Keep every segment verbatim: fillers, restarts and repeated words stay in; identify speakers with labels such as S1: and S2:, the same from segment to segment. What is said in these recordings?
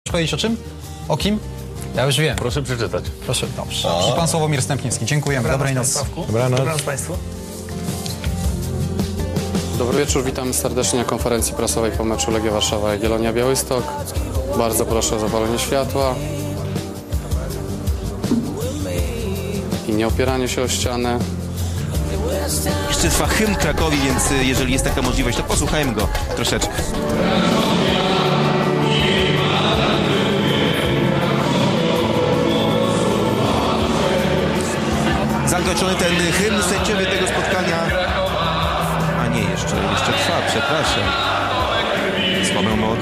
S1: powiedzieć o czym? O kim? Ja już wiem.
S2: Proszę przeczytać.
S1: Proszę, dobrze. O. Pan Sławomir Stępniewski. Dziękujemy. Dobrej nocy.
S3: Dobranoc.
S4: Dobranoc Państwu.
S5: Dobry wieczór, witam serdecznie na konferencji prasowej po meczu Legia Warszawa i Jagiellonia Białystok. Bardzo proszę o zapalenie światła i nie opieranie się o ścianę.
S6: Jeszcze trwa hymn Krakowi, więc jeżeli jest taka możliwość, to posłuchajmy go troszeczkę. Zakończony ten hymn, sędziowie tego spotkania... A nie, jeszcze, jeszcze trwa, przepraszam. Słabą moc.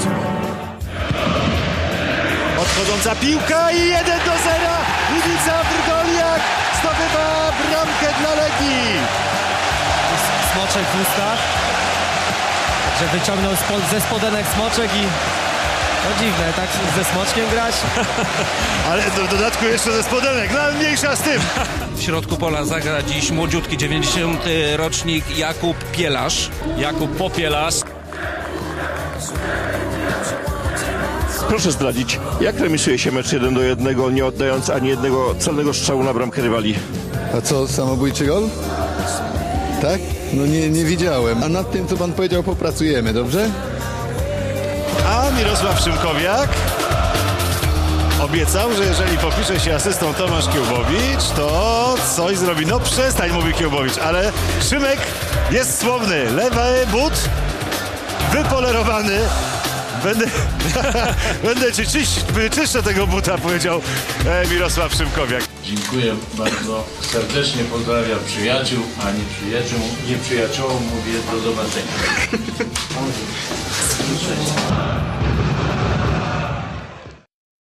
S7: Odchodząca piłka i jeden do zera. Iwica Wrdoliak zdobywa bramkę dla Legii.
S4: Smoczek w ustach. Że wyciągnął spod, ze spodenek smoczek i... No dziwne, tak ze smoczkiem grać?
S7: Ale w dodatku jeszcze ze spodenek, no ale mniejsza z tym.
S8: W środku pola zagra dziś młodziutki dziewięćdziesiąty rocznik Jakub Pielasz.
S2: Jakub Popielarz.
S9: Proszę zdradzić, jak remisuje się mecz jeden do jednego, nie oddając ani jednego celnego strzału na bramkę rywali?
S10: A co, samobójczy gol? Tak? No nie, nie widziałem. A nad tym, co pan powiedział, popracujemy, dobrze?
S7: A Mirosław Szymkowiak obiecał, że jeżeli popisze się asystą Tomasz Kiełbowicz, to coś zrobi. No przestań, mówi Kiełbowicz, ale Szymek jest słowny. Lewy but wypolerowany. Będę, będę ci czyś, czyszczę tego buta, powiedział e, Mirosław Szymkowiak.
S11: Dziękuję bardzo. Serdecznie pozdrawiam przyjaciół, a nie przyjaciół. Nie przyjaciołom mówię do zobaczenia.